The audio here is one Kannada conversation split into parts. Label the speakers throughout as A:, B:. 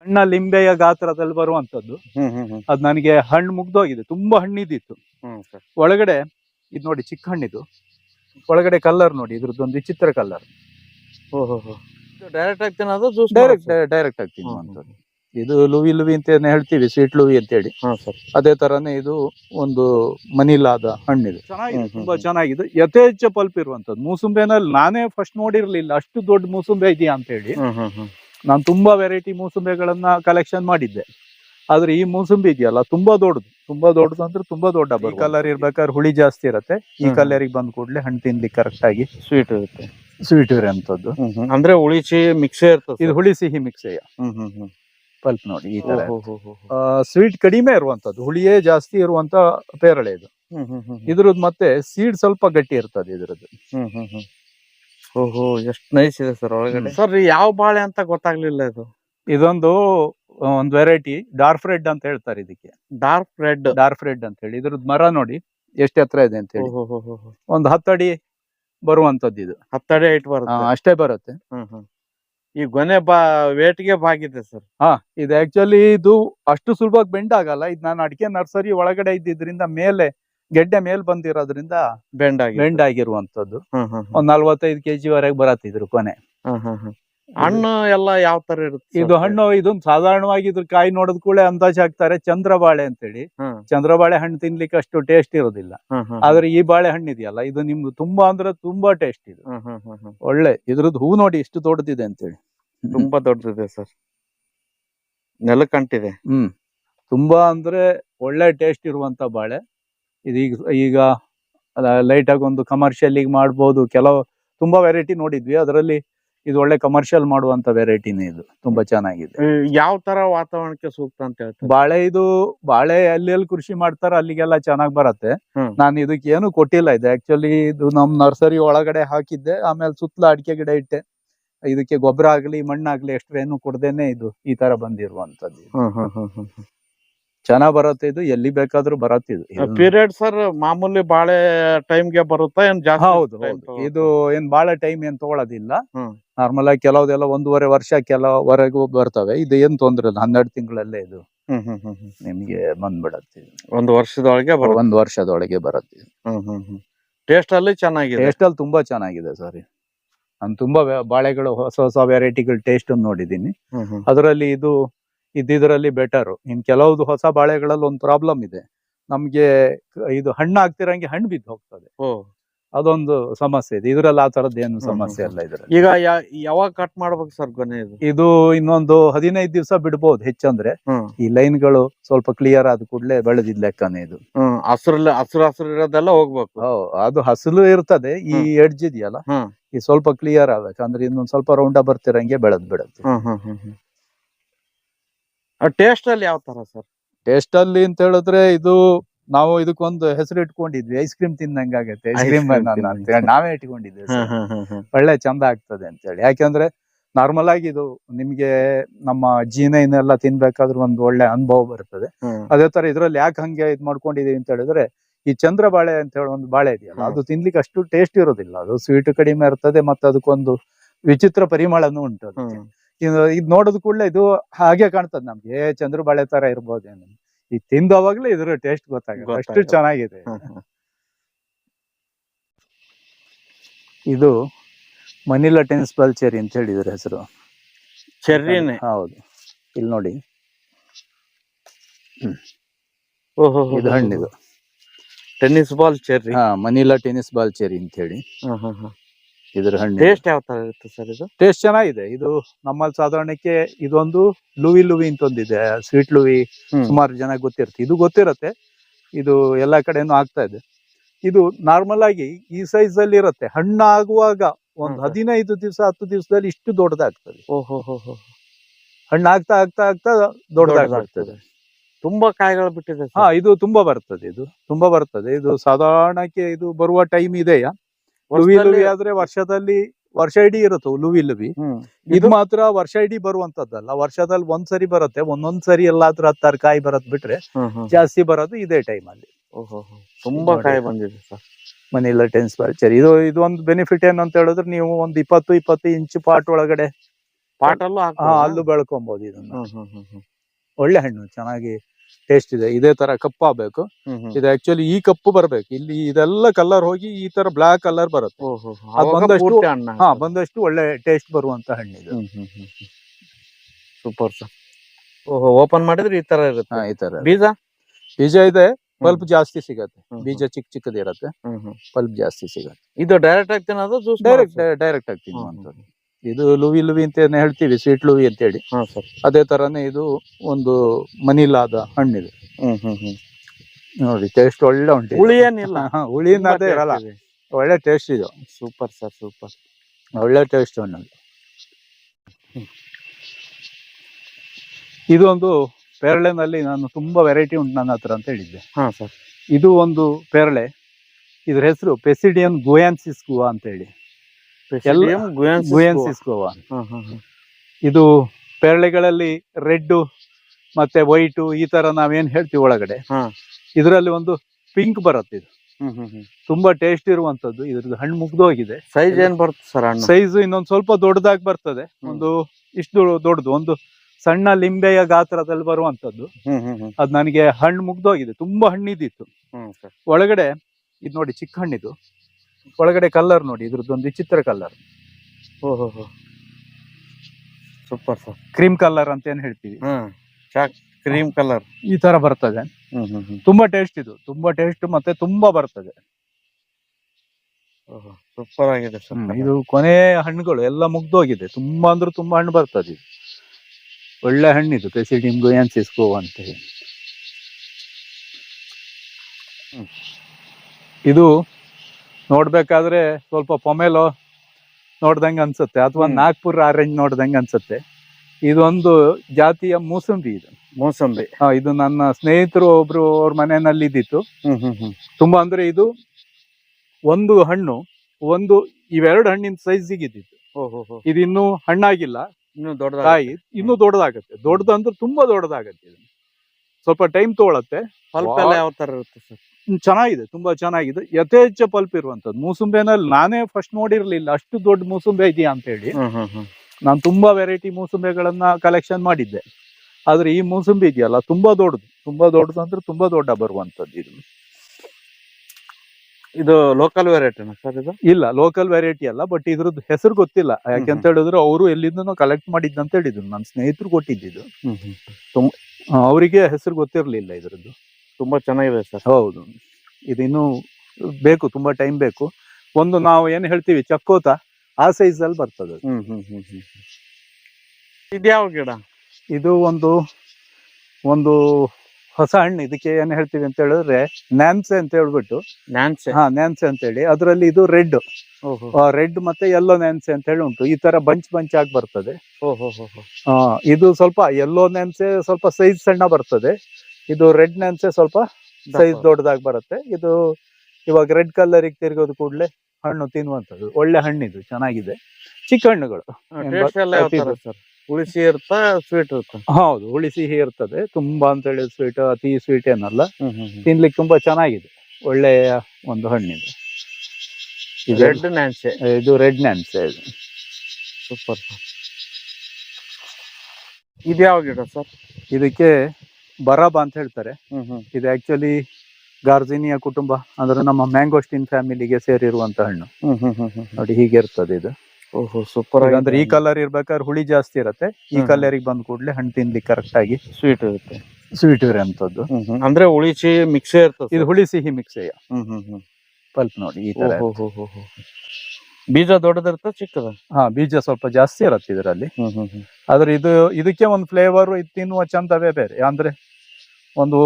A: ಸಣ್ಣ ಲಿಂಬೆಯ ಗಾತ್ರದಲ್ಲಿ ಬರುವಂತದ್ದು. ಅದ್ ನನಗೆ ಹಣ್ಣು ಮುಗ್ದೋಗಿದೆ, ತುಂಬಾ ಹಣ್ಣಿದ್ದಿತ್ತು. ಒಳಗಡೆ ಇದು ನೋಡಿ, ಚಿಕ್ಕ ಹಣ್ಣಿದು. ಒಳಗಡೆ ಕಲರ್ ನೋಡಿ, ಇದ್ರದ್ದೊಂದು ವಿಚಿತ್ರ ಕಲರ್.
B: ಡೈರೆಕ್ಟ್ ಆಗಿ ತಿನ್ನೋದು ಜ್ಯೂಸ್?
A: ಡೈರೆಕ್ಟ್ ಆಗಿ ತಿನ್ನುವಂಥದ್ದು. ಇದು ಲುವಿ ಲುವಿ ಅಂತ ಹೇಳ್ತೀವಿ, ಸ್ವೀಟ್ ಲುವಿ ಅಂತ ಹೇಳಿ. ಅದೇ ತರನೇ ಇದು ಒಂದು ಮನಿಲಾದ ಹಣ್ಣಿದೆ. ಚೆನ್ನಾಗಿದೆ, ತುಂಬಾ ಚೆನ್ನಾಗಿದೆ. ಯಥೇಚ್ಛ ಪಲ್ಪ್ ಇರುವಂತದ್ದು. ಮೂಸುಂಬೆನಲ್ಲಿ ನಾನೇ ಫಸ್ಟ್ ನೋಡಿರ್ಲಿಲ್ಲ ಅಷ್ಟು ದೊಡ್ಡ ಮೂಸುಂಬೆ ಇದೆಯಾ ಅಂತ ಹೇಳಿ. ನಾನು ತುಂಬಾ ವೆರೈಟಿ ಮೂಸುಂಬೆಗಳನ್ನ ಕಲೆಕ್ಷನ್ ಮಾಡಿದ್ದೆ, ಆದ್ರೆ ಈ ಮೂಸುಂಬಿ ಇದೆಯಲ್ಲ ತುಂಬಾ ದೊಡ್ಡದು ಅಂದ್ರೆ ತುಂಬಾ ದೊಡ್ಡ. ಈ ಕಲರ್ ಇರ್ಬೇಕಾದ್ರೆ ಹುಳಿ ಜಾಸ್ತಿ ಇರತ್ತೆ, ಈ ಕಲರಿಗೆ ಬಂದ್ ಕೂಡ್ಲೆ ಹಣ್ಣು ತಿನ್ಲಿಕ್ಕೆ ಕರೆಕ್ಟ್ ಆಗಿ ಸ್ವೀಟ್ ಇರುವಂತದ್ದು.
B: ಅಂದ್ರೆ ಹುಳಿ ಸಿಹಿ ಮಿಕ್ಸೇ ಇರ್ತದೆ.
A: ಇದು ಹುಳಿ ಸಿಹಿ ಮಿಕ್ಸೆಯ ಪಲ್ಪ್ ನೋಡಿ. ಈ ತರ ಸ್ವೀಟ್ ಕಡಿಮೆ ಇರುವಂತದ್ದು, ಹುಳಿಯೇ ಜಾಸ್ತಿ ಇರುವಂತ ಪೇರಳೆ ಇದು. ಇದ್ರದ್ದು ಮತ್ತೆ ಸೀಡ್ ಸ್ವಲ್ಪ ಗಟ್ಟಿ ಇರ್ತದೆ ಇದ್ರದ್ದು.
B: ಓಹೋ, ಎಷ್ಟು ನೈಸ್ ಇದೆ ಸರ್ ಒಳಗಡೆ. ಸರ್ ಯಾವ ಬಾಳೆ ಅಂತ ಗೊತ್ತಾಗ್ಲಿಲ್ಲ ಇದು.
A: ಇದೊಂದು ವೆರೈಟಿ ಡಾರ್ಕ್ ರೆಡ್ ಅಂತ ಹೇಳ್ತಾರೆ ಇದಕ್ಕೆ.
B: ಡಾರ್ಕ್ ರೆಡ್
A: ಅಂತ ಹೇಳಿ. ಇದ್ರದ್ದು ಮರ ನೋಡಿ ಎಷ್ಟು ಎತ್ತರ ಇದೆ ಅಂತ ಹೇಳಿ. ಒಂದು 10 ಅಡಿ ಬರುವಂತದ್ದು ಇದು.
B: 10 ಅಡಿ ಹೈಟ್ ಬರುತ್ತೆ,
A: ಅಷ್ಟೇ ಬರುತ್ತೆ.
B: ಈ ಗೊನೆ ವೇಟ್ಗೆ ಬಾಗಿದೆ ಸರ್.
A: ಇದು ಆಕ್ಚುಲಿ ಇದು ಅಷ್ಟು ಸುಲಭವಾಗಿ ಬೆಂಡ್ ಆಗಲ್ಲ. ಇದು ನಾನು ಅಡಿಕೆ ನರ್ಸರಿ ಒಳಗಡೆ ಇದ್ದಿದ್ರಿಂದ ಮೇಲೆ ಗೆಡ್ಡೆ ಮೇಲ್ ಬಂದಿರೋದ್ರಿಂದ ಬೆಂಡ್ ಆಗಿರುವಂತದ್ದು. ಒಂದ್ 45 kg ವರೆಗೆ ಬರತ್ತಿದ್ರು ಕೊನೆ.
B: ಹಣ್ಣು ಎಲ್ಲ ಯಾವ ತರ ಇರುತ್ತೆ
A: ಇದು ಹಣ್ಣು? ಇದೊಂದು ಸಾಧಾರಣವಾಗಿ ಇದ್ರ ಕಾಯಿ ನೋಡಿದ ಕೂಡಲೇ ಅಂದಾಜ್ ಹಾಕ್ತಾರೆ ಚಂದ್ರಬಾಳೆ ಅಂತೇಳಿ. ಚಂದ್ರಬಾಳೆ ಹಣ್ಣು ತಿನ್ಲಿಕ್ಕೆ ಅಷ್ಟು ಟೇಸ್ಟ್ ಇರೋದಿಲ್ಲ. ಆದ್ರೆ ಈ ಬಾಳೆ ಹಣ್ಣು ಇದೆಯಲ್ಲ, ಇದು ನಿಮ್ದು ತುಂಬಾ ಅಂದ್ರೆ ತುಂಬಾ ಟೇಸ್ಟ್ ಇದು. ಒಳ್ಳೆ ಇದ್ರದ್ದು ಹೂ ನೋಡಿ ಎಷ್ಟು ದೊಡ್ಡದಿದೆ ಅಂತೇಳಿ.
B: ತುಂಬಾ ದೊಡ್ಡದಿದೆ ಸರ್, ನೆಲಕ್ಕಂಟಿದೆ.
A: ತುಂಬಾ ಅಂದ್ರೆ ಒಳ್ಳೆ ಟೇಸ್ಟ್ ಇರುವಂತ ಬಾಳೆ ಇದು. ಈಗ ಲೈಟ್ ಆಗಿ ಒಂದು ಕಮರ್ಷಿಯಲ್ ಮಾಡ್ಬೋದು. ಕೆಲವು ತುಂಬಾ ವೆರೈಟಿ ನೋಡಿದ್ವಿ, ಅದರಲ್ಲಿ ಇದು ಒಳ್ಳೆ ಕಮರ್ಷಿಯಲ್ ಮಾಡುವಂತ ವೆರೈಟಿನೇ. ಇದು ತುಂಬಾ ಚೆನ್ನಾಗಿದೆ.
B: ಯಾವ ತರ ವಾತಾವರಣಕ್ಕೆ ಸೂಕ್ತ ಅಂತ ಹೇಳ್ತಾರೆ
A: ಬಾಳೆ? ಇದು ಬಾಳೆ ಎಲ್ಲಿ ಕೃಷಿ ಮಾಡ್ತಾರ ಅಲ್ಲಿಗೆಲ್ಲ ಚೆನ್ನಾಗ್ ಬರತ್ತೆ. ನಾನು ಇದಕ್ಕೆ ಏನು ಕೊಟ್ಟಿಲ್ಲ. ಇದು ಆಕ್ಚುಲಿ ಇದು ನಮ್ ನರ್ಸರಿ ಒಳಗಡೆ ಹಾಕಿದ್ದೆ, ಆಮೇಲೆ ಸುತ್ತಲ ಅಡಿಕೆ ಗಿಡ ಇಟ್ಟೆ. ಇದಕ್ಕೆ ಗೊಬ್ಬರ ಆಗ್ಲಿ ಮಣ್ಣಾಗ್ಲಿ ಎಷ್ಟ್ರೇನು ಕೊಡ್ದೇನೆ ಇದು ಈ ತರ ಬಂದಿರುವಂತದ್ದು. ಚೆನ್ನಾಗ್ ಬರುತ್ತೆ ಇದು, ಎಲ್ಲಿ ಬೇಕಾದ್ರೂ ಬರತ್ತೆ ಇದು.
B: ಪೀರಿಯಡ್ ಸರ್ ಮಾಮೂಲಿ ಬಾಳೆ ಟೈಮ್ಗೆ ಬರುತ್ತಾ ಏನ್ ಜಾಸ್ತಿ?
A: ಹೌದು, ಇದು ಏನ್ ಬಾಳೆ ಟೈಮ್ ಏನ್ ತಗೊಳ್ಳೋದಿಲ್ಲ. ನಾರ್ಮಲ್ ಆಗಿ ಕೆಲವುದೆಲ್ಲ 1.5 ವರ್ಷ ಕೆಲವರೆಗೂ ಬರ್ತವೆ. ಇದು ಏನ್ ತೊಂದ್ರೆ ಇಲ್ಲ, 12 ತಿಂಗಳಲ್ಲೇ ಇದು ನಿಮ್ಗೆ ಬಂದ್ಬಿಡತ್ತೆ.
B: 1 ವರ್ಷದೊಳಗೆ
A: 1 ವರ್ಷದೊಳಗೆ ಬರುತ್ತೆ.
B: ಟೇಸ್ಟ್ ಅಲ್ಲಿ ಚೆನ್ನಾಗಿದೆ.
A: ಟೇಸ್ಟ್ ಅಲ್ಲಿ ತುಂಬಾ ಚೆನ್ನಾಗಿದೆ ಸರ್. ನಾನು ತುಂಬಾ ಬಾಳೆಗಳು ಹೊಸ ವೆರೈಟಿಗಳು ಟೇಸ್ಟ್ ನೋಡಿದೀನಿ. ಅದರಲ್ಲಿ ಇದು ಇದ್ದಿದ್ರಲ್ಲಿ ಬೆಟರ್. ಇನ್ ಕೆಲವ್ದು ಹೊಸ ಬಾಳೆಗಳಲ್ಲಿ ಒಂದು ಪ್ರಾಬ್ಲಮ್ ಇದೆ, ನಮ್ಗೆ ಇದು ಹಣ್ಣು ಆಗ್ತಿರಂಗೆ ಹಣ್ಣು ಬಿದ್ದು ಹೋಗ್ತದೆ. ಅದೊಂದು ಸಮಸ್ಯೆ ಇದೆ. ಇದ್ರಲ್ಲಿ ಆ ತರದ್ದು ಏನು ಸಮಸ್ಯೆ ಇಲ್ಲ. ಇದ್ರಲ್ಲಿ
B: ಈಗ ಯಾವಾಗ ಕಟ್ ಮಾಡ್ಬೇಕು ಸರ್ ಗೊನೆ?
A: ಇದು ಇನ್ನೊಂದು 15 ದಿವಸ ಬಿಡ್ಬೋದು ಹೆಚ್ಚಂದ್ರೆ. ಈ ಲೈನ್ಗಳು ಸ್ವಲ್ಪ ಕ್ಲಿಯರ್ ಆದ ಕೂಡಲೇ ಬೆಳೆದಿದ್ ಲೆಕ್ಕನೇ ಇದು.
B: ಹಸಿರು ಇರೋದೆಲ್ಲ ಹೋಗ್ಬೇಕು.
A: ಅದು ಹಸಿರು ಇರ್ತದೆ. ಈ ಎಡ್ಜ್ ಇದೆಯಲ್ಲ, ಈ ಸ್ವಲ್ಪ ಕ್ಲಿಯರ್ ಆಗ್ಬೇಕು. ಅಂದ್ರೆ ಇನ್ನೊಂದ್ ಸ್ವಲ್ಪ ರೌಂಡ ಬರ್ತಿರಂಗೆ ಬೆಳೆದ್ ಬಿಡುತ್ತೆ.
B: ಟೇಸ್ಟ್ ಅಲ್ಲಿ ಯಾವ ತರ ಸರ್?
A: ಟೇಸ್ಟ್ ಅಲ್ಲಿ ಅಂತ ಹೇಳಿದ್ರೆ ಇದು ನಾವು ಇದಕ್ಕೊಂದು ಹೆಸರು ಇಟ್ಕೊಂಡಿದ್ವಿ, ಐಸ್ ಕ್ರೀಮ್ ತಿಂದಂಗ ಆಗತ್ತೆ. ಐಸ್ ಕ್ರೀಮ್ ನಾವೇ ಇಟ್ಕೊಂಡಿದ್ವಿ, ಒಳ್ಳೆ ಚಂದ ಆಗ್ತದೆ ಅಂತ ಹೇಳಿ. ಯಾಕೆಂದ್ರೆ ನಾರ್ಮಲ್ ಆಗಿ ಇದು ನಿಮ್ಗೆ ನಮ್ಮ ಜೀನೆಲ್ಲ ತಿನ್ಬೇಕಾದ್ರೆ ಒಂದು ಒಳ್ಳೆ ಅನುಭವ ಬರ್ತದೆ. ಅದೇ ತರ ಇದ್ರಲ್ಲಿ ಯಾಕೆ ಹಂಗೆ ಇದ್ ಮಾಡ್ಕೊಂಡಿದೀವಿ ಅಂತ ಹೇಳಿದ್ರೆ, ಈ ಚಂದ್ರ ಬಾಳೆ ಅಂತ ಹೇಳಿ ಒಂದು ಬಾಳೆ ಇದೆಯಲ್ಲ, ಅದು ತಿನ್ಲಿಕ್ಕೆ ಅಷ್ಟು ಟೇಸ್ಟ್ ಇರೋದಿಲ್ಲ. ಅದು ಸ್ವೀಟ್ ಕಡಿಮೆ ಇರ್ತದೆ, ಮತ್ತೆ ಅದಕ್ಕೊಂದು ವಿಚಿತ್ರ ಪರಿಮಳನೂ ಉಂಟು. ಇದ್ ನೋಡಿದ ಕೂಡಲೇ ಇದು ಹಾಗೆ ಕಾಣ್ತದೆ ನಮ್ಗೆ, ಚಂದ್ರ ಬಾಳೆ ತರ ಇರ್ಬೋದೇನು. ಈಗ ತಿಂದವಾಗ್ಲೇ ಇದ್ರ ಟೇಸ್ಟ್ ಗೊತ್ತಾಗುತ್ತೆ, ಅಷ್ಟು ಚೆನ್ನಾಗಿದೆ. ಇದು ಮನಿಲಾ ಟೆನ್ನಿಸ್ ಬಾಲ್ ಚೆರಿ ಅಂತ ಹೇಳಿದ್ರ ಹೆಸರು.
B: ಚೆರ್ರಿನೇ?
A: ಹೌದು, ಇಲ್ಲಿ ನೋಡಿ. ಇದು ಹಣ್ಣಿದು
B: tennis ball cherry.
A: Manila tennis ball cherry ಅಂತ ಹೇಳಿ ಇದ್ರ ಹಣ್ಣು.
B: ಟೇಸ್ಟ್ ಯಾವ ತರ ಇರುತ್ತೆ ಸರ್ ಇದು?
A: ಟೇಸ್ಟ್ ಚೆನ್ನಾಗಿದೆ. ಇದು ನಮ್ಮಲ್ಲಿ ಸಾಧಾರಣಕ್ಕೆ ಇದೊಂದು ಲುವಿ ಅಂತ ಒಂದಿದೆ, ಸ್ವೀಟ್ ಲುವಿ. ಸುಮಾರು ಜನ ಗೊತ್ತಿರುತ್ತೆ, ಇದು ಗೊತ್ತಿರತ್ತೆ. ಇದು ಎಲ್ಲಾ ಕಡೆನೂ ಆಗ್ತಾ ಇದೆ. ಇದು ನಾರ್ಮಲ್ ಆಗಿ ಈ ಸೈಜ್ ಅಲ್ಲಿ ಇರುತ್ತೆ. ಹಣ್ಣಾಗುವಾಗ ಒಂದು 15 ದಿವಸ 10 ದಿವಸದಲ್ಲಿ ಇಷ್ಟು ದೊಡ್ಡದಾಗ್ತದೆ. ಹಣ್ಣು ಆಗ್ತಾ ಆಗ್ತಾ ಆಗ್ತಾ ದೊಡ್ಡದಾಗ್ತದೆ.
B: ತುಂಬಾ ಕಾಯಿಗಳು ಬಿಟ್ಟಿದೆ.
A: ಇದು ತುಂಬಾ ಬರ್ತದೆ. ಇದು ತುಂಬಾ ಬರ್ತದೆ. ಇದು ಸಾಧಾರಣಕ್ಕೆ ಇದು ಬರುವ ಟೈಮ್ ಇದೆಯಾ. ಲುವಿ ಆದ್ರೆ ವರ್ಷ ಇಡೀ ಇರುತ್ತೆ ಲುವಿ. ಇದು ಮಾತ್ರ ವರ್ಷ ಇಡೀ ಬರುವಂತದ್ದಲ್ಲ, ವರ್ಷದಲ್ಲಿ ಒಂದ್ಸರಿ ಬರುತ್ತೆ. ಒಂದೊಂದ್ಸರಿ ಎಲ್ಲಾದ್ರೂ 10 ಕಾಯಿ ಬರತ್ ಬಿಟ್ರೆ ಜಾಸ್ತಿ ಬರೋದು ಇದೇ ಟೈಮ್ ಅಲ್ಲಿ.
B: ತುಂಬಾ ಕಾಯಿ ಬಂದಿದೆ sir
A: Manila tennis ball cherry. ಇದು ಒಂದು ಬೆನಿಫಿಟ್ ಏನು ಅಂತ ಹೇಳಿದ್ರೆ, ನೀವು ಒಂದು 20 ಇಂಚ್ ಪಾಟ್ ಒಳಗಡೆ
B: ಪಾಟಲ್ಲೂ
A: ಅಲ್ಲೂ ಬೆಳ್ಕೊಬಹುದು ಇದನ್ನ.
B: ಹ್ಮ್.
A: ಒಳ್ಳೆ ಹಣ್ಣು, ಚೆನ್ನಾಗಿ ಟೇಸ್ಟ್ ಇದೆ. ಇದೇ ತರ ಕಪ್ಪಾಗಬೇಕು. ಇದು ಆಕ್ಚುಲಿ ಈ ಕಪ್ಪು ಬರ್ಬೇಕು. ಇಲ್ಲಿ ಇದೆಲ್ಲ ಕಲರ್ ಹೋಗಿ ಈ ತರ ಬ್ಲಾಕ್ ಕಲರ್ ಬರುತ್ತೆ. ಅದು ಬಂದಷ್ಟು ಒಳ್ಳೆ ಟೇಸ್ಟ್ ಬರುವಂತ ಹಣ್ಣು ಇದು.
B: Super sir. ಓಹೋ, ಓಪನ್ ಮಾಡಿದ್ರೆ ಈ ತರ ಇರುತ್ತೆ.
A: ಈ ತರ
B: ಬೀಜ
A: ಇದೆ, ಪಲ್ಪ್ ಜಾಸ್ತಿ ಸಿಗತ್ತೆ. ಬೀಜ ಚಿಕ್ಕದಿರತ್ತೆ, ಪಲ್ಪ್ ಜಾಸ್ತಿ ಸಿಗತ್ತೆ.
B: ಇದು ಡೈರೆಕ್ಟ್ ಆಗಿ ತಿನ್ನೋದು,
A: ಡೈರೆಕ್ಟ್ ಆಗಿ ತಿನ್ನುವಂಥದ್ದು. ಇದು ಲುವಿ ಅಂತ ಹೇಳ್ತೀವಿ, ಸ್ವೀಟ್ ಲುವಿ ಅಂತ ಹೇಳಿ. ಅದೇ ತರನೇ ಇದು ಒಂದು ಮನಿಲಾದ ಹಣ್ಣಿದೆ. ನೋಡಿ ಟೇಸ್ಟ್ ಒಳ್ಳೆ ಉಂಟು.
B: ಹುಳಿ ಏನಿಲ್ಲ,
A: ಹುಳಿ ಅನ್ನೋದೇ ಇರಲ್ಲ, ಒಳ್ಳೆ ಟೇಸ್ಟ್ ಇದು.
B: ಸೂಪರ್ ಸರ್, ಸೂಪರ್,
A: ಒಳ್ಳೆ ಟೇಸ್ಟ್ ಹಣ್ಣು. ಇದು ಒಂದು ಪೇರಳೆನಲ್ಲಿ ನಾನು ತುಂಬಾ ವೆರೈಟಿ ಉಂಟು ನನ್ನ ಹತ್ರ ಅಂತ ಹೇಳಿದ್ದೆ. ಇದು ಒಂದು ಪೇರಳೆ, ಇದ್ರ ಹೆಸರು ಪೆಸಿಡಿಯಂ ಗುಯಾನ್ಸಿಸ್ಕುವಾ ಅಂತ ಹೇಳಿ. ಗುಯಾನ್ಸಿಸ್ಕುವಾ. ಇದು ಪೇರಳೆಗಳಲ್ಲಿ ರೆಡ್ ಮತ್ತೆ ವೈಟ್ ಈ ತರ ನಾವೇನ್ ಹೇಳ್ತೀವಿ ಒಳಗಡೆ, ಇದರಲ್ಲಿ ಒಂದು ಪಿಂಕ್ ಬರುತ್ತೆ. ಇದು ತುಂಬಾ ಟೇಸ್ಟ್ ಇರುವಂತದ್ದು. ಇದ್ರದ್ದು ಹಣ್ಣು ಮುಗ್ದೋಗಿದೆ.
B: ಸೈಜ್ ಏನ್ ಬರುತ್ತೆ ಸರ್?
A: ಸೈಜ್ ಇನ್ನೊಂದು ಸ್ವಲ್ಪ ದೊಡ್ಡದಾಗಿ ಬರ್ತದೆ. ಒಂದು ಇಷ್ಟು ದೊಡ್ಡದು, ಒಂದು ಸಣ್ಣ ಲಿಂಬೆಯ ಗಾತ್ರದಲ್ಲಿ ಬರುವಂತದ್ದು. ಅದ್ ನನಗೆ ಹಣ್ಣು ಮುಗ್ದೋಗಿದೆ, ತುಂಬಾ ಹಣ್ಣಿದ್ದಿತ್ತು ಒಳಗಡೆ. ಇದು ನೋಡಿ, ಚಿಕ್ಕ ಹಣ್ಣಿದು. ಒಳಗಡೆ ಕಲರ್ ನೋಡಿ, ಇದ್ರದ್ದೊಂದು ವಿಚಿತ್ರ colour.
B: Super sir.
A: Cream colour ಅಂತ ಏನ್ ಹೇಳ್ತೀವಿ,
B: ಕ್ರೀಮ್ ಕಲರ್
A: ಈ ತರ ಬರ್ತದೆ. ತುಂಬಾ ಟೇಸ್ಟ್ ಇದು, ತುಂಬಾ ಟೇಸ್ಟ್ ಮತ್ತೆ ತುಂಬಾ ಬರ್ತದೆ.
B: ಸೂಪರ್ ಆಗಿದೆ ಸರ್.
A: ಇದು ಕೊನೆ ಹಣ್ಣುಗಳು ಎಲ್ಲ ಮುಗ್ದೋಗಿದೆ. ತುಂಬಾ ಅಂದ್ರೆ ತುಂಬಾ ಹಣ್ಣು ಬರ್ತದೆ. ಇದು ಒಳ್ಳೆ ಹಣ್ಣಿದು, ಪೆಸಿಡಿಯಂ ಗುಯಾನ್ಸಿಸ್ಕುವಾ ಅಂತ ಹೇಳಿ. ಇದು ನೋಡ್ಬೇಕಾದ್ರೆ ಸ್ವಲ್ಪ ಪೊಮೆಲೋ ನೋಡ್ದಂಗೆ ಅನ್ಸುತ್ತೆ, ಅಥವಾ ನಾಗ್ಪುರ್ ಆರೆಂಜ್ ನೋಡ್ದಂಗೆ ಅನ್ಸುತ್ತೆ. ಇದೊಂದು ಜಾತಿಯ ಮೂಸಂಬಿ. ಇದು
B: ಮೂಸಂಬಿ.
A: ಇದು ನನ್ನ ಸ್ನೇಹಿತರು ಒಬ್ರು ಅವ್ರ ಮನೆಯಲ್ಲಿ ಇದ್ದಿತ್ತು. ತುಂಬಾ ಅಂದ್ರೆ ಇದು ಒಂದು ಹಣ್ಣು, ಇವೆರಡು ಹಣ್ಣಿನ ಸೈಜಿಗೆ ಇದ್ದಿತ್ತು. ಇದು ಇನ್ನೂ ಹಣ್ಣಾಗಿಲ್ಲ, ಕಾಯಿ ಇನ್ನೂ ದೊಡ್ಡದಾಗತ್ತೆ. ದೊಡ್ಡದಂದ್ರೆ ತುಂಬಾ ದೊಡ್ಡದಾಗತ್ತೆ. ಇದು ಸ್ವಲ್ಪ ಟೈಮ್ ತಗೊಳತ್ತೆ.
B: ಪಲ್ಪ್ ಎಲ್ಲ ಯಾವ ತರ ಇರುತ್ತೆ ಸರ್?
A: ಚೆನ್ನಾಗಿದೆ, ತುಂಬಾ ಚೆನ್ನಾಗಿದೆ. ಯಥೇಚ್ಛ ಪಲ್ಪ್ ಇರುವಂತದ್ದು. ಮೂಸುಂಬೆನಲ್ಲಿ ನಾನೇ ಫಸ್ಟ್ ನೋಡಿರ್ಲಿಲ್ಲ ಅಷ್ಟು ದೊಡ್ಡ ಮೂಸುಂಬೆ ಇದೆಯಾ ಅಂತ ಹೇಳಿ. ನಾನು ತುಂಬಾ ವೆರೈಟಿ ಮೂಸುಂಬೆಗಳನ್ನ ಕಲೆಕ್ಷನ್ ಮಾಡಿದ್ದೆ, ಆದ್ರೆ ಈ ಮೂಸುಂಬಿ ಇದೆಯಲ್ಲ ತುಂಬಾ ದೊಡ್ಡದು ಅಂದ್ರೆ ತುಂಬಾ ದೊಡ್ಡ ಬರುವಂತದ್ದು.
B: ಇದು ಲೋಕಲ್ ವೆರೈಟಿನಾ ಸರ್? ಇದು
A: ಇಲ್ಲ, ಲೋಕಲ್ ವೆರೈಟಿ ಅಲ್ಲ, ಬಟ್ ಇದ್ರದ್ದು ಹೆಸರು ಗೊತ್ತಿಲ್ಲ. ಯಾಕೆಂತ ಹೇಳಿದ್ರೆ ಅವರು ಎಲ್ಲಿಂದನೋ ಕಲೆಕ್ಟ್ ಮಾಡಿದ್ದಂತ ಹೇಳಿದ್ರು. ನನ್ನ ಸ್ನೇಹಿತರು ಕೊಟ್ಟಿದ್ದು, ಅವರಿಗೆ ಹೆಸರು ಗೊತ್ತಿರ್ಲಿಲ್ಲ ಇದ್ರದ್ದು.
B: ತುಂಬಾ ಚೆನ್ನಾಗಿದೆ ಸರ್.
A: ಹೌದು, ಇದಿನ್ನು ಬೇಕು, ತುಂಬಾ ಟೈಮ್ ಬೇಕು. ಒಂದು ನಾವು ಏನ್ ಹೇಳ್ತೀವಿ ಚಕ್ಕೋತ, ಆ ಸೈಜ್ ಅಲ್ಲಿ ಬರ್ತದೆ.
B: ಇದ್ಯಾವ ಗಿಡ? ಇದು
A: ಒಂದು ಹೊಸ ಹಣ್ಣು. ಇದಕ್ಕೆ ಏನ್ ಹೇಳ್ತೀವಿ ಅಂತ ಹೇಳಿದ್ರೆ ನ್ಯಾನ್ಸೆ ಅಂತ ಹೇಳ್ಬಿಟ್ಟು. ನ್ಯಾನ್ಸೆ ಅಂತ ಹೇಳಿ. ಅದರಲ್ಲಿ ಇದು ರೆಡ್ ಮತ್ತೆ ಯೆಲ್ಲೋ ನ್ಯಾನ್ಸೆ ಅಂತ ಹೇಳಿ ಉಂಟು. ಈ ತರ ಬಂಚ್ ಆಗಿ ಬರ್ತದೆ. ಇದು ಸ್ವಲ್ಪ ಯೆಲ್ಲೋ ನ್ಯಾನ್ಸೆ ಸ್ವಲ್ಪ ಸೈಜ್ ಸಣ್ಣ ಬರ್ತದೆ. ಇದು ರೆಡ್ ನ್ಯಾನ್ಸೆ ಸ್ವಲ್ಪ ಸೈಜ್ ದೊಡ್ಡದಾಗಿ ಬರುತ್ತೆ. ಇದು ಇವಾಗ ರೆಡ್ ಕಲರಿಗೆ ತಿರುಗೋದು ಕೂಡಲೇ ಹಣ್ಣು ತಿನ್ನುವಂಥದ್ದು. ಒಳ್ಳೆ ಹಣ್ಣಿದು, ಚೆನ್ನಾಗಿದೆ. ಚಿಕ್ಕ ಹಣ್ಣುಗಳು.
B: ಹುಳಿ ಸಿಹಿ ಇರುತ್ತಾ, ಸ್ವೀಟ್ ಇರುತ್ತಾ?
A: ಹೌದು, ಹುಳಿ ಸಿಹಿ ಇರ್ತದೆ. ತುಂಬಾ ಅಂತ ಹೇಳಿ ಸ್ವೀಟ್, ಅತಿ ಸ್ವೀಟ್ ಏನಲ್ಲ. ತಿನ್ಲಿಕ್ಕೆ ತುಂಬಾ ಚೆನ್ನಾಗಿದೆ. ಒಳ್ಳೆಯ ಒಂದು ಹಣ್ಣಿದೆ.
B: ರೆಡ್ ನ್ಯಾನ್ಸೆ.
A: ಇದು ರೆಡ್ ನ್ಯಾನ್ಸೆ. ಇದು
B: ಸೂಪರ್. ಇದ್ಯಾವ ಗಿಡ ಸರ್?
A: ಇದಕ್ಕೆ ಬರಾಬಾ ಅಂತ ಹೇಳ್ತಾರೆ. ಇದು ಆಕ್ಚುಲಿ ಗಾರ್ಜಿನಿಯಾ ಕುಟುಂಬ, ಅಂದ್ರೆ ನಮ್ಮ ಮ್ಯಾಂಗೋಸ್ಟಿನ್ ಫ್ಯಾಮಿಲಿಗೆ ಸೇರಿರುವಂತ ಹಣ್ಣು. ನೋಡಿ ಹೀಗೆ ಇರ್ತದೆ ಇದು.
B: ಸೂಪರ್.
A: ಅಂದ್ರೆ ಈ ಕಲರ್ ಇರ್ಬೇಕಾದ್ರೆ ಹುಳಿ ಜಾಸ್ತಿ ಇರತ್ತೆ. ಈ ಕಲರಿಗೆ ಬಂದ್ ಕೂಡ್ಲೆ ಹಣ್ಣು ತಿನ್ಲಿಕ್ಕೆ ಕರೆಕ್ಟ್ ಆಗಿ ಸ್ವೀಟ್ ಇರುವಂತದ್ದು.
B: ಅಂದ್ರೆ ಹುಳಿ ಸಿಹಿ ಮಿಕ್ಸೇ ಇರ್ತದೆ.
A: ಇದು ಹುಳಿ ಸಿಹಿ ಮಿಕ್ಸೆಯ ಪಲ್ಪ್. ನೋಡಿ ಈ ತರ.
B: ಬೀಜ ದೊಡ್ಡದಿರುತ್ತ, ಚಿಕ್ಕದ?
A: ಬೀಜ ಸ್ವಲ್ಪ ಜಾಸ್ತಿ ಇರತ್ತೆ ಇದರಲ್ಲಿ. ಆದ್ರೆ ಇದಕ್ಕೆ ಒಂದು ಫ್ಲೇವರ್, ಇದು ತಿನ್ನುವ ಚಂದವೇ ಬೇರೆ. ಅಂದ್ರೆ ಒಂದು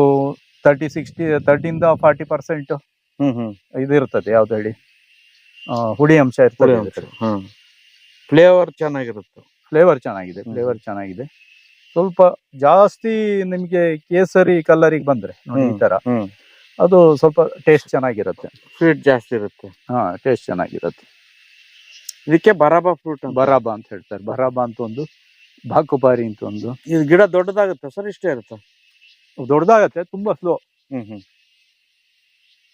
A: 30-40% ಇದು ಇರ್ತದೆ. ಯಾವ್ದು ಹೇಳಿ, ಹುಳಿ ಅಂಶ ಇರ್ತದೆ.
B: ಫ್ಲೇವರ್ ಚೆನ್ನಾಗಿರುತ್ತೆ.
A: ಫ್ಲೇವರ್ ಚೆನ್ನಾಗಿದೆ. ಸ್ವಲ್ಪ ಜಾಸ್ತಿ ನಿಮ್ಗೆ ಕೇಸರಿ ಕಲರಿಗೆ ಬಂದ್ರೆ ನೋಡಿ ಈ ತರ, ಅದು ಸ್ವಲ್ಪ ಟೇಸ್ಟ್ ಚೆನ್ನಾಗಿರುತ್ತೆ.
B: ಸ್ವೀಟ್ ಜಾಸ್ತಿ ಇರುತ್ತೆ.
A: ಟೇಸ್ಟ್ ಚೆನ್ನಾಗಿರುತ್ತೆ.
B: ಇದಕ್ಕೆ ಬರಾಬಾ ಫ್ರೂಟ್,
A: ಬರಾಬಾ ಅಂತ ಹೇಳ್ತಾರೆ. ಬರಾಬಾ ಅಂತ ಒಂದು, ಬಾಕುಬಾರಿ ಅಂತ ಒಂದು.
B: ಇದು ಗಿಡ ದೊಡ್ಡದಾಗುತ್ತೆ ಸರ್? ಇಷ್ಟೇ ಇರುತ್ತೆ?
A: ದೊಡ್ಡದಾಗತ್ತೆ, ತುಂಬಾ ಸ್ಲೋ.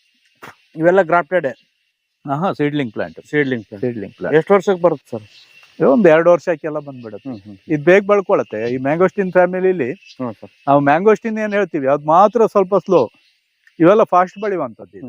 B: ಇವೆಲ್ಲ ಗ್ರಾಫ್ಟೆಡ್?
A: Seedling plant.
B: ಎಷ್ಟು ವರ್ಷಕ್ಕೆ ಬರುತ್ತೆ ಸರ್?
A: ಇದು ಒಂದ್ 2 ವರ್ಷಕ್ಕೆಲ್ಲ ಬಂದ್ಬಿಡುತ್ತೆ. ಇದು ಬೇಗ ಬಳ್ಕೊಳತ್ತೆ. ಈ ಮ್ಯಾಂಗೋಸ್ಟಿನ್ ಫ್ಯಾಮಿಲಿಲಿ
B: ಹ್ಮ್ ಸರ್.
A: ನಾವು ಮ್ಯಾಂಗೋಸ್ಟಿನ್ ಏನ್ ಹೇಳ್ತೀವಿ ಅದ್ ಮಾತ್ರ ಸ್ವಲ್ಪ ಸ್ಲೋ, ಇವೆಲ್ಲ ಫಾಸ್ಟ್ ಬೆಳೆಯುವಂಥದ್ದು.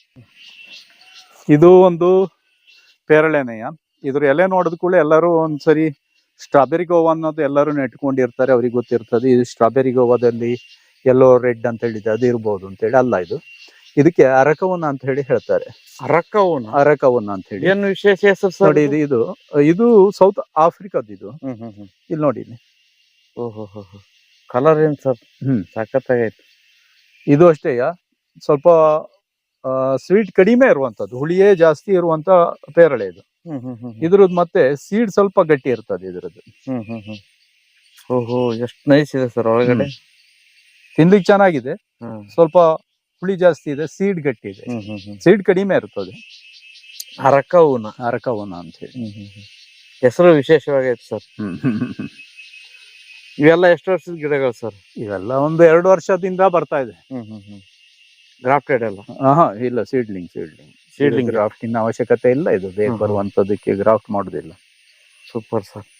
A: ಇದು ಒಂದು ಪೇರಳೆನೆಯ. ಇದ್ರ ಎಲೆ ನೋಡಿದ ಕೂಡ ಎಲ್ಲರೂ ಒಂದ್ಸರಿ ಸ್ಟ್ರಾಬೆರಿ ಗೋವಾ ಅನ್ನೋದು ಎಲ್ಲರೂ ನೆಟ್ಕೊಂಡಿರ್ತಾರೆ, ಅವ್ರಿಗೆ ಗೊತ್ತಿರ್ತದೆ. ಇದು ಸ್ಟ್ರಾಬೆರಿ ಗೋವಾದಲ್ಲಿ ಎಲ್ಲೋ ರೆಡ್ ಅಂತ ಹೇಳಿದೆ ಅದು ಇರ್ಬೋದು ಅಂತ ಹೇಳಿ. ಅಲ್ಲ, ಇದಕ್ಕೆ ಅರಕವನ ಅಂತ ಹೇಳಿ ಹೇಳ್ತಾರೆ. ಅರಕವನ ಅಂತ ಹೇಳಿ.
B: ಏನು ವಿಶೇಷ ಹೆಸರು ಸರ್?
A: ನೋಡಿ, ಇದು ಸೌತ್ ಆಫ್ರಿಕಾದ. ಇದು ಇಲ್ಲಿ ನೋಡಿ.
B: ಓಹೋ, ಕಲರ್ ಏನ್ ಸರ್? ಸಖತ್ತಾಗೈತೆ.
A: ಇದು ಅಷ್ಟೇ ಸ್ವಲ್ಪ ಸ್ವೀಟ್ ಕಡಿಮೆ ಇರುವಂತದ್ದು, ಹುಳಿಯೇ ಜಾಸ್ತಿ ಇರುವಂತ ಪೇರಳೆ ಇದು. ಇದ್ರದ್ದು ಮತ್ತೆ ಸೀಡ್ ಸ್ವಲ್ಪ ಗಟ್ಟಿ ಇರ್ತದೆ ಇದ್ರದ್ದು.
B: ಓಹೋ, ಎಷ್ಟು ನೈಸ್ ಇದೆ ಸರ್ ಒಳಗಡೆ.
A: ತಿನ್ಲಿಕ್ಕೆ ಚೆನ್ನಾಗಿದೆ, ಸ್ವಲ್ಪ ಹುಳಿ ಜಾಸ್ತಿ ಇದೆ, ಸೀಡ್ ಗಟ್ಟಿ ಇದೆ. ಸೀಡ್ ಕಡಿಮೆ ಇರ್ತದೆ. ಅರಕವನ ಅಂತ ಹೇಳಿ
B: ಹೆಸರು ವಿಶೇಷವಾಗೈತೆ ಸರ್. ಇವೆಲ್ಲ ಎಷ್ಟು ವರ್ಷದ ಗಿಡಗಳು ಸರ್?
A: ಇವೆಲ್ಲ ಒಂದು 2 ವರ್ಷದಿಂದ ಬರ್ತಾ ಇದೆ.
B: ಗ್ರಾಫ್ಟೆಡ್ ಎಲ್ಲ?
A: ಇಲ್ಲ, ಸೀಡ್ಲಿಂಗ್ ಗ್ರಾಫ್ಟಿಂಗ್ ಅವಶ್ಯಕತೆ ಇಲ್ಲ. ಇದು ಬೇಗ ಬರುವಂತದಕ್ಕೆ ಗ್ರಾಫ್ಟ್ ಮಾಡುದಿಲ್ಲ.
B: Super sir.